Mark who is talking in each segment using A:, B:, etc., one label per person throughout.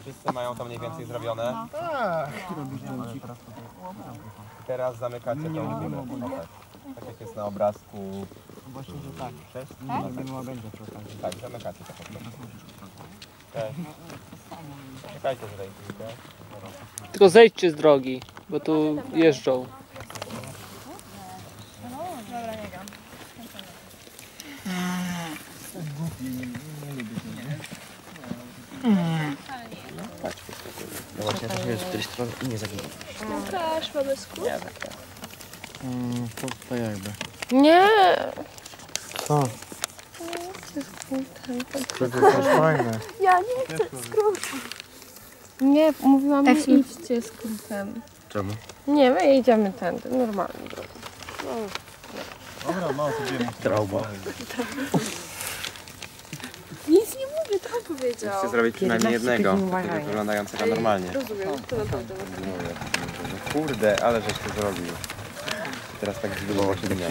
A: Wszyscy mają to mniej więcej zrobione. Teraz zamykacie tą górę. Tak jak jest na obrazku.
B: Właśnie, że tak.
A: Tak, zamykacie to po prostu. Czekajcie tutaj chwilkę.
C: Tylko zejdźcie z drogi, bo tu jeżdżą.
D: Dobra, nie gam.
B: No właśnie, to jest z której strony i nie zaginie.
D: Łukasz, mamy skrót?
A: Nie, tak.
B: To jakby.
D: Nie!
B: Co? To jest fajne.
D: Ja nie chcę skrótu. Nie, mówiłam, nie idźcie skrótem.
B: Czemu?
D: Nie, my jedziemy tędy, normalnie.
B: Dobra, mało to wiem. Trauma.
D: Nic nie mówię, to on powiedział.
A: Chcę zrobić przynajmniej jednego, takiego wyglądającego normalnie.
D: Rozumiem, to naprawdę.
A: No kurde, ale żeś to zrobił. Teraz tak zbudowało się dnia.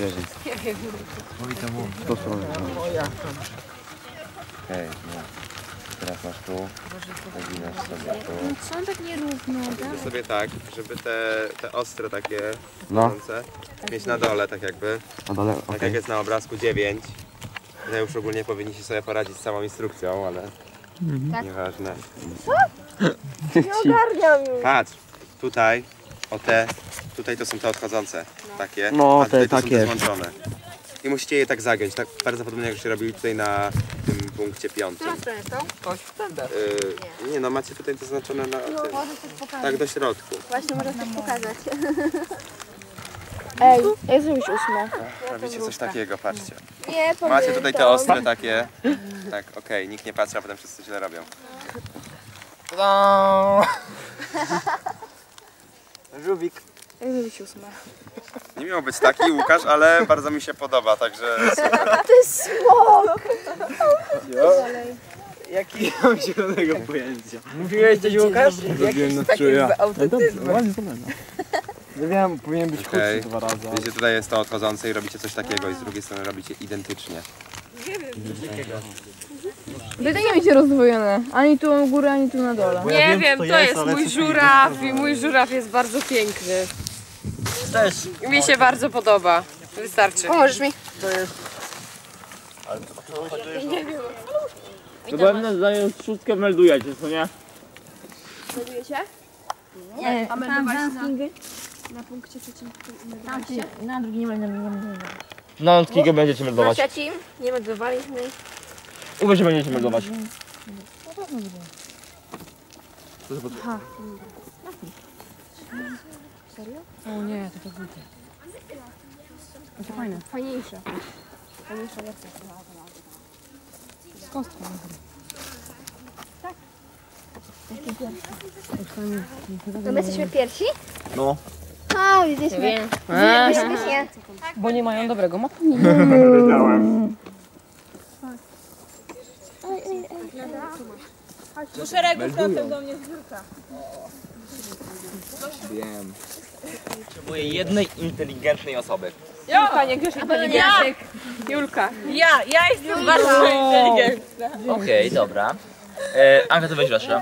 A: Okej, no. Teraz masz tu, zaginasz sobie tu.
D: Co on tak nierówno,
A: Zrobię sobie tak, żeby te ostre takie
B: No.
A: mieć na dole tak jakby.
B: Na dole,
A: Tak
B: okej.
A: jak jest na obrazku 9. No już ogólnie powinniście sobie poradzić z całą instrukcją, ale nieważne.
D: Nie ogarniam już.
A: Patrz, tutaj, tutaj to są te odchodzące, takie,
B: No,
A: a tutaj
B: te
A: to
B: takie.
A: są te złączone. I musicie je tak zagiąć, tak bardzo podobnie jak się robili tutaj na tym punkcie 5. Nie no, macie tutaj to zaznaczone na tym.
D: Możesz coś pokazać.
A: Tak do środku.
D: Właśnie, możesz coś pokazać. Ej, jest już 8.
A: Robicie coś takiego, patrzcie.
D: Nie,
A: Macie tutaj te ostre takie. Tak, okej, nikt nie patrzy, a potem wszyscy źle robią.
B: Żubik.
D: Jak zrobić 8?
A: Nie miał być taki Łukasz, ale bardzo mi się podoba, także super.
D: To jest smok!
B: Jaki mam zielonego pojęcia? Mówiłeś coś, Łukasz? Jakiś taki z autyzmem. Ładnie to będę. Nie wiem, powinien być
A: Okej.
B: krótszy 2 razy.
A: Wiecie, tutaj jest to odchodzące i robicie coś takiego i z drugiej strony robicie identycznie.
D: Wydaje mi się rozdwojone. Ani tu u góry, ani tu na dole.
E: Nie wiem, to jest mój żuraw i mój żuraw jest bardzo piękny.
B: Też.
E: Mi się bardzo podoba. Wystarczy.
D: Pomożesz mi?
F: To pewnie zając szóstkę meldujecie, co nie?
D: Melduje się?
G: Nie,
D: A meldować
G: na
D: punkcie trzecim
G: na drugi nie będę.
F: Na Kigę będziecie
D: Na
F: meldować.
D: trzecim nie meldowaliśmy.
F: U was się będziecie meldować.
G: O nie, to głupie. To fajne.
D: Fajniejsze.
G: Z kostką.
D: No my jesteśmy pierwsi?
F: No.
D: A, jesteśmy. Jesteśmy.
G: Bo nie mają dobrego motu.
E: Do szeregu frontem do mnie zbiórka.
F: Wiem. Potrzebuję jednej inteligentnej osoby.
E: Julka, nie grześ inteligentny. Julka. Ja jestem bardzo inteligentna.
F: Okej, dobra. Anka, to weź Rasza.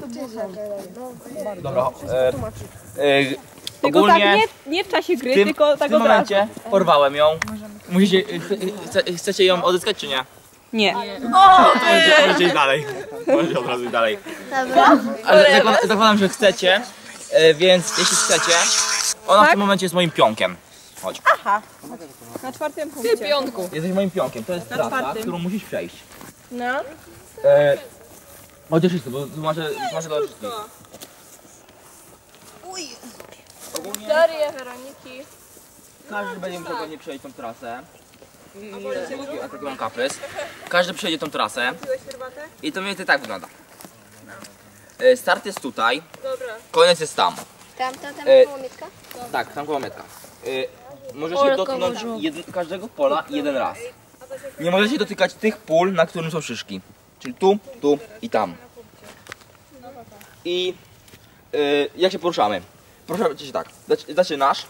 F: Dobra.
E: Tylko
F: Ogólnie
E: tak nie w czasie gry,
F: w tym,
E: tylko tak
F: w tym
E: od razu.
F: momencie porwałem ją. Musicie, chcecie ją odzyskać czy nie?
E: Nie.
F: Możecie iść dalej. Możecie od razu iść dalej. Ale zakładam, że chcecie, więc jeśli chcecie, ona w tym momencie jest moim pionkiem. Chodź.
E: Na czwartym punkcie. Ty piątku.
F: Jesteś moim pionkiem, to jest trasa,
E: czwartym.
F: którą musisz przejść.
E: No.
F: Chociaż wszyscy, bo tłumaczę dla wszystkich. Ogólnie
E: Teorię Weroniki.
F: każdy będzie musiał pewnie przejść tą trasę. Ja taki mam kaprys. Każdy przejdzie tą trasę. I to mniej więcej tak wygląda. Start jest tutaj. Koniec jest tam.
D: Tam było Mietka?
F: Tak, tam koło metka. Możecie dotknąć każdego pola jeden raz. Nie możecie dotykać tych pól, na którym są szyszki. Czyli tu, tu i tam. I jak się poruszamy? Poruszamy się tak. Zaczynasz.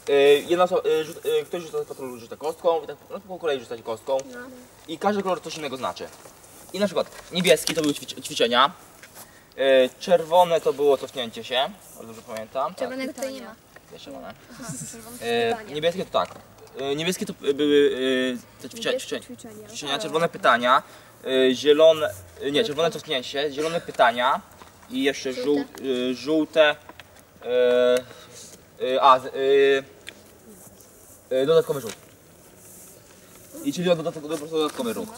F: Ktoś rzuca z patrolu, rzuca kostką i tak po kolei rzucać kostką. I każdy kolor coś innego znaczy. I na przykład niebieski to były ćwiczenia. Czerwone to było cofnięcie się, o dobrze pamiętam.
D: Czerwonego tutaj nie ma.
F: Jest czerwone. Niebieskie to tak. Niebieskie to były te ćwiczenia, czerwone pytania, zielone, nie, czerwone cofnięcie się, zielone pytania i jeszcze żółte, dodatkowy rzut. I czyli dodatkowy ruch.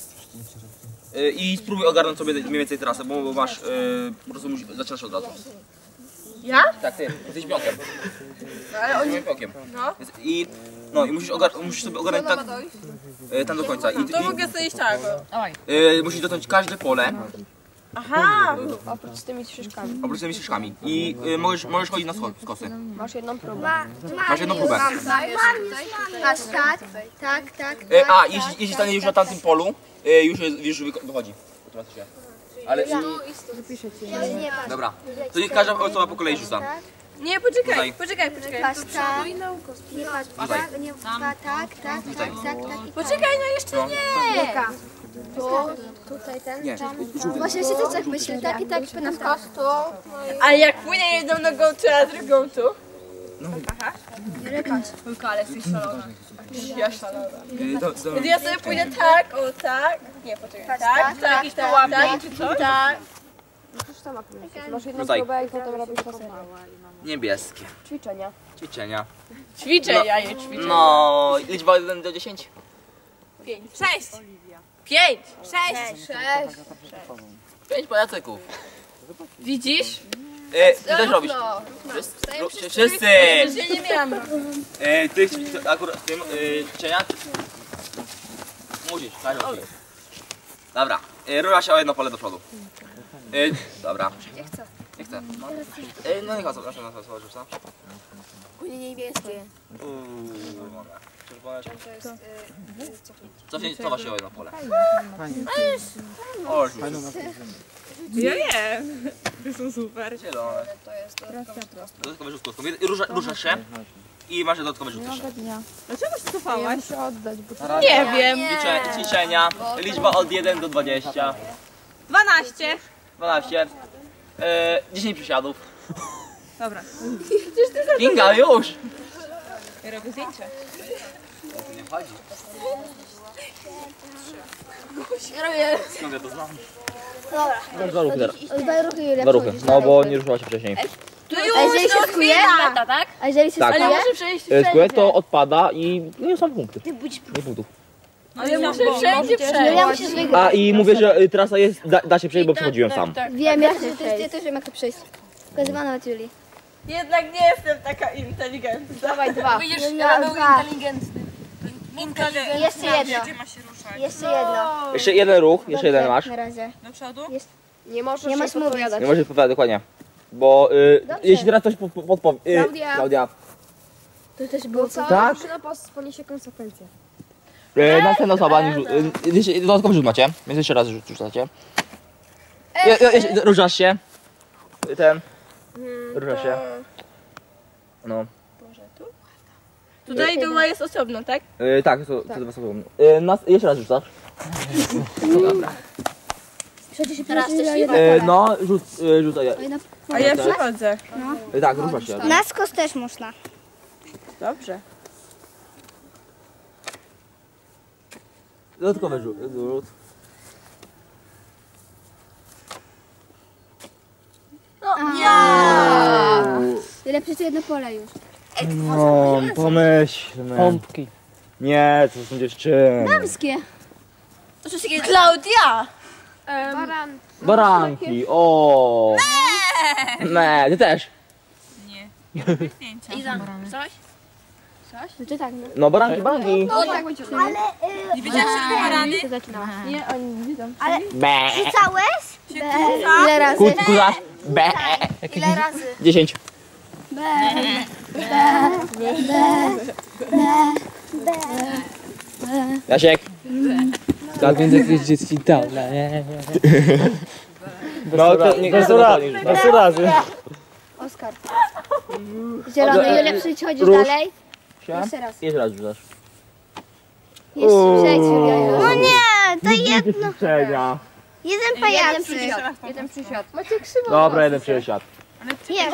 F: I spróbuj ogarnąć sobie mniej więcej trasę, bo masz, po prostu zaczynasz od razu.
E: Ja?
F: Tak, ty, jesteś pionkiem.
E: Ale oni...
F: Pionkiem.
E: No.
F: I musisz sobie ogarnąć tak, tam do końca.
E: To mogę sobie iść tak.
F: Musisz dotknąć każde pole.
E: Aha!
G: Oprócz tymi szyszkami.
F: Oprócz tymi ścieżkami. I możesz chodzić na skosy.
G: Masz jedną próbę.
F: Masz jedną próbę.
D: Patrz, tak.
F: A, jeśli stanie już na tamtym polu, już wychodzi. Ale... Dobra. To niech każda osoba po kolei rzuca.
E: Nie, poczekaj.
D: Patrz, tak. Nie patrz, tak, nie, tak.
E: Poczekaj, no jeszcze nie!
D: Tutaj ten, tam. Właśnie się też tak myślę, tak i tak na kostu.
E: A jak płynie jedną nogą tu, a drugą tu? Aha. Tylko, ale jesteś szalona. Ja szalona. Więc ja sobie pójdę tak, o tak. Nie, poczekaj. Tak, czy co? Tak.
G: Masz jedną
F: Rzucaj.
G: próbę i potem robisz to samo.
F: Niebieskie.
G: Ćwiczenia.
E: Ćwiczę, ja je ćwiczę.
F: No, liczba 1 do 10.
E: 5. 6. 5. 6.
F: 5 pajacyków.
E: Widzisz?
F: Ty też robisz. Wszyscy!
E: Ja nie miałam.
F: Ty akurat w tym ćwiczenia? Musisz, każdy musi. Dobra, rura się o jedno pole do przodu. Dobra. Nie chcę. No niech osoba, proszę na to rzuca.
D: Niebieskie.
F: Czerwone. Cofa się o jedno pole. O,
E: Ja nie. To są super.
F: zielone. Dodatkowy rzut kostką. Ruszasz się i masz dodatkowy rzut jeszcze.
E: Dlaczego się cofałaś?
G: Muszę oddać, bo
E: Nie wiem.
F: Ćwiczenia. Liczba od 1 do 20.
E: 12.
F: 12. 10 przysiadów.
E: Dobra.
F: Kinga, już!
E: Ja robię zdjęcie.
F: Nie chodzi. Skąd ja to znam? Dwa ruchy teraz. Dwa ruchy, no bo nie ruszyła się wcześniej.
D: A jeżeli się skuje?
E: tak?
D: A jeżeli się
F: Tak.
E: Ale
D: skuje?
E: muszę przejść
F: Skład to odpada i nie są punkty. Nie punktów.
E: Ale muszę wszędzie
D: No
E: przejść.
D: ja muszę wygrać.
F: A i mówię, że trasa jest, da się przejść, bo przechodziłem sam.
D: Wiem, ja też wiem jak to przejść. Pokazywano od Julii.
E: Jednak nie jestem taka inteligentna.
G: dawaj 2.
E: Widzisz,
D: Ja był
E: inteligentny.
D: Jeszcze jedno. Jeszcze jedno.
F: Jeszcze jeden ruch, jeszcze jeden masz.
D: Na razie.
E: Do przodu?
G: Nie możesz
D: Nie masz
G: odpowiadać.
F: Nie możesz powiedzieć dokładnie. Bo jeśli teraz ktoś podpowie... Klaudia.
D: To też było co?
F: Tak?
G: Drużyna poniesie konsekwencje.
F: Następna osoba, dodatkowy rzut macie, więc jeszcze raz rzucacie. Ruszasz się. Ruszasz się. No.
E: Tutaj duma jest osobno, tak?
F: Tak, to dwa osoby. Jeszcze raz rzucasz.
D: Przecież
E: Teraz też
F: No, rzucaj.
E: A ja przychodzę.
F: Tak, ruszasz się.
D: Na skos też można.
E: Dobrze.
F: Dodatkowy rzut.
D: Tyle przecież jedno pole już.
F: No, pomyślmy.
C: Pompki.
F: Nie, to są dziewczyny.
D: Damskie.
E: Klaudia!
F: Baranki, o. Nie, ty też.
E: Iza, coś?
D: No to tak, no.
F: No, baranki.
E: Nie wiedziałaś, że robię barany?
D: Nie, oni nie widzą.
F: Be.
D: Rzucałeś? Ile razy?
F: Kuza. Be.
D: Ile razy?
F: 10. Jasiek.
C: Tak więc jakieś dzieci dał.
F: No, to nie razy.
D: Oskar. Zielony, Julia, przychodzisz dalej. Jeszcze raz.
F: Jeszcze raz rzucasz.
D: Jeszcze przejdź, Julia. No nie, to jedno.
F: Ćwiczenia.
H: Jeden pajacyk.
G: Jeden przysiad.
B: Dobra, jeden przesiad.
H: Nie.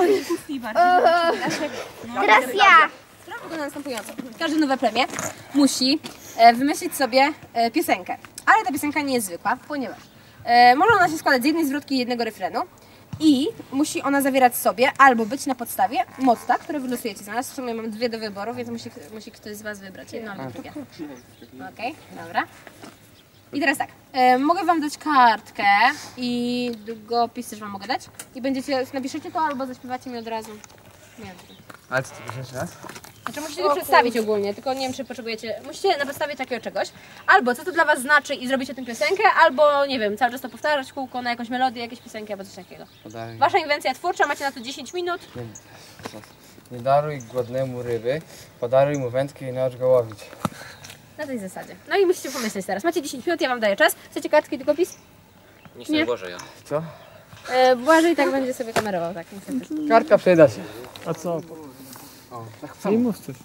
H: Teraz ja.
E: Sprawa wygląda następująco. Każde nowe plemię musi wymyślić sobie piosenkę. Ale ta piosenka nie jest zwykła, ponieważ może ona się składać z jednej zwrotki i jednego refrenu. I musi ona zawierać sobie albo być na podstawie motta, które wylosujecie. Znalazł w sumie mam dwie do wyboru, więc musi ktoś z was wybrać. Jedno albo drugie. Okej, dobra. I teraz tak, mogę wam dać kartkę i długopis też wam mogę dać. I napiszecie to albo zaśpiewacie mi od razu. Nie wiem.
B: Ale co ty piszesz raz?
E: Znaczy musicie to przedstawić ogólnie, tylko nie wiem czy potrzebujecie, musicie na podstawie takiego czegoś, albo co to dla was znaczy i zrobicie tę piosenkę, albo nie wiem, cały czas to powtarzać w kółko na jakąś melodię, jakieś piosenki albo coś takiego. Wasza inwencja twórcza, macie na to 10 minut.
B: Nie daruj głodnemu ryby, podaruj mu wędkę i naucz go łowić.
E: Na tej zasadzie. No i musicie pomyśleć teraz, macie 10 minut, ja wam daję czas. Chcecie kartki, długopis?
F: Nie Boże ja.
B: Co?
E: Błażej tak będzie sobie kamerował, tak niestety.
B: Kartka przyda się.
C: A co?
B: Tak samo.
C: Nie mów coś.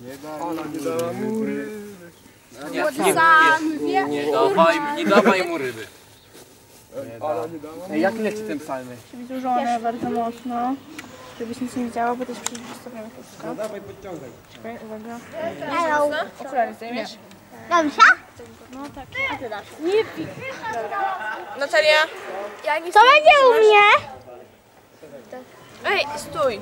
F: Nie dawaj mu ryby.
B: Ej, jak leci ten psalmy?
D: Dużone bardzo mocno, żebyś nic nie działo, bo też przecież wystawiamy wszystko.
A: No dawaj, podciągaj.
D: Czekaj, uwaga.
H: Hello.
D: Okulary zdejmiesz?
H: Dobrze?
D: Natalia!
H: To będzie u mnie.
D: Ej, stój!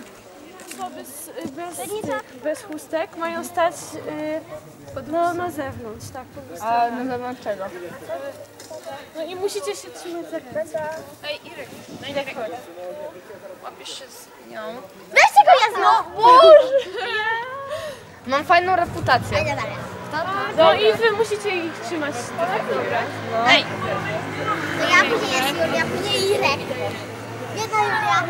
D: Bez chustek mają stać na zewnątrz, tak po prostu. A na zewnątrz czego? No i musicie się trzymać za ręce. Ej, Irek, no i tak chodź. Łapiesz się z nią.
H: Weźcie go jasno.
D: Boże! Mam fajną reputację. No i wy musicie ich trzymać. Tak, dobra. Ej!
H: To ja później jest Julia, później Irek. Jedna Julia.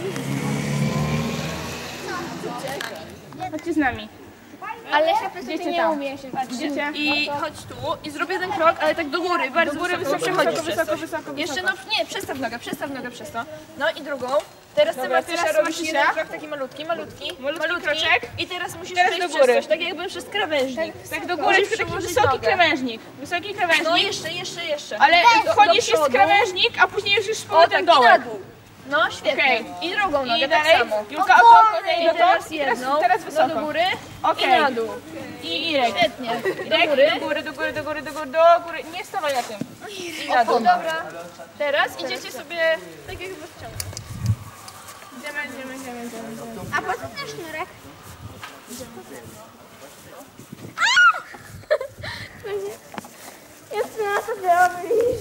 D: Chodźcie z nami.
H: Ale się po prostu nie umie się
D: Idziecie? I chodź tu i zrobię ten krok, ale tak do góry, bardzo do góry, wysoko. Jeszcze no nie, przestaw nogę przez to. No i drugą. Teraz ty robisz jeden krok taki malutki kroczek. I teraz musisz przejść do góry. Coś, tak jakby przez krawężnik. Tak do góry, taki wysoki krawężnik. No jeszcze. Ale wchodzisz jest krawężnik, a później już z powrotem dołek. No świetnie. I drugą nogę tak samo. Julka i teraz jedną. Teraz wysoko. Do góry i na dół. I Irek. Świetnie. Irek, do góry. Nie stawaj na tym. I na dół. Dobra. Teraz idziecie sobie tak jak w ciągu. Idziemy.
H: A po co ten sznurek? Jest na to robisz.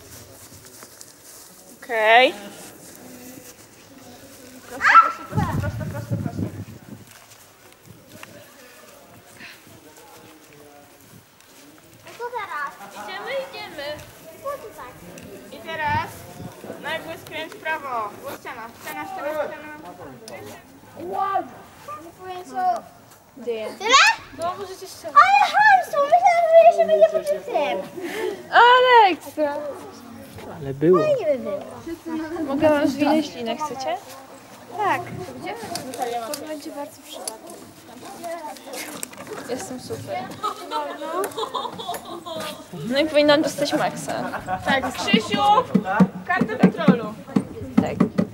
D: Okej. Prosto.
H: Co teraz?
D: Idziemy.
H: Po co tak?
D: I teraz nagły skręć w prawo. Ściana.
H: Wow. Nie powiem co. Tyle?
D: No możecie strzelać.
H: Ale hamstwo, myślałam, że jeszcze będzie po tym.
D: Ale ekstra.
C: Ale było.
H: Nie by było.
D: Mogę wam zwinąć linę, chcecie?
H: Tak.
D: To będzie bardzo przydatne. Jestem super. No i powinnam dostać maksa. Tak, Krzysiu, kartę patrolu. Tak.